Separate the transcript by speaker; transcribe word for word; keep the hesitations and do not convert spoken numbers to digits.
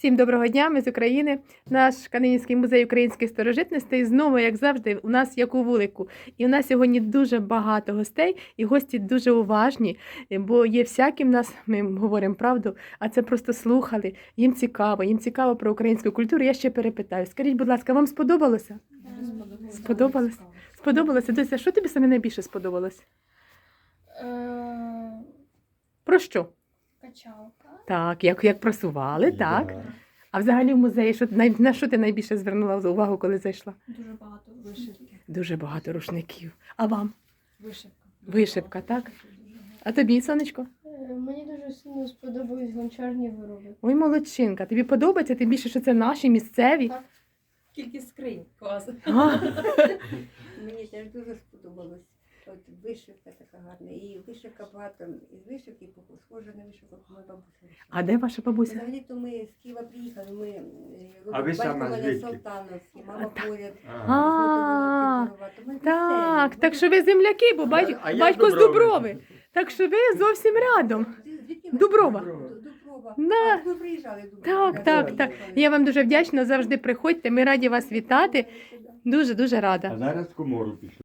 Speaker 1: Всім доброго дня, ми з України. Наш Канинівський музей українських старожитностей знову, як завжди, у нас як у вулику. І у нас сьогодні дуже багато гостей, і гості дуже уважні, бо є всякі в нас, ми говоримо правду, а це просто слухали, їм цікаво, їм цікаво про українську культуру. Я ще перепитаю. Скажіть, будь ласка, вам сподобалося?
Speaker 2: Сподобалося.
Speaker 1: Сподобалось? Сподобалося? Дося, що тобі саме найбільше сподобалось?
Speaker 2: Е,
Speaker 1: Про що?
Speaker 2: Качалка.
Speaker 1: Так, як, як просували, так.
Speaker 3: Да.
Speaker 1: А взагалі в музеї, що, най- на що ти найбільше звернула увагу, коли зайшла?
Speaker 2: Дуже багато вишивки.
Speaker 1: Дуже багато рушників. А вам?
Speaker 2: Вишивка.
Speaker 1: Вишивка, так? А тобі, сонечко?
Speaker 4: Е, Мені дуже сильно сподобались гончарні вироби.
Speaker 1: Ой, молодчинка. Тобі подобається? Тим більше, що це наші місцеві.
Speaker 4: Так.
Speaker 2: Кількість скринь. Клас.
Speaker 1: А,
Speaker 5: Мені теж дуже сподобалось. От вишивка така гарна. І вишивка багато із вишивки, схожа на вишивку моя бабуся.
Speaker 1: а де ваша бабуся?
Speaker 5: Взагалі-то ми з Києва приїхали, ми е,
Speaker 3: А ви
Speaker 5: батько
Speaker 3: сама
Speaker 5: мене
Speaker 3: звідки?
Speaker 5: Салтановський, мама поряд.
Speaker 1: А,
Speaker 5: зготовила кіт.
Speaker 1: Так, так що ви земляки, бо бать-
Speaker 3: А я
Speaker 1: батько з
Speaker 3: Дуброви.
Speaker 1: Дуброви. Так що ви зовсім рядом. Дуброва.
Speaker 5: Дуброва.
Speaker 1: Да.
Speaker 5: А, ви приїжджали в Дуброву.
Speaker 1: Так,
Speaker 5: да,
Speaker 1: так, так.
Speaker 5: приїхали.
Speaker 1: Я вам дуже вдячна, завжди приходьте, ми раді вас вітати. Дуже-дуже рада.
Speaker 3: А зараз в комору пішли.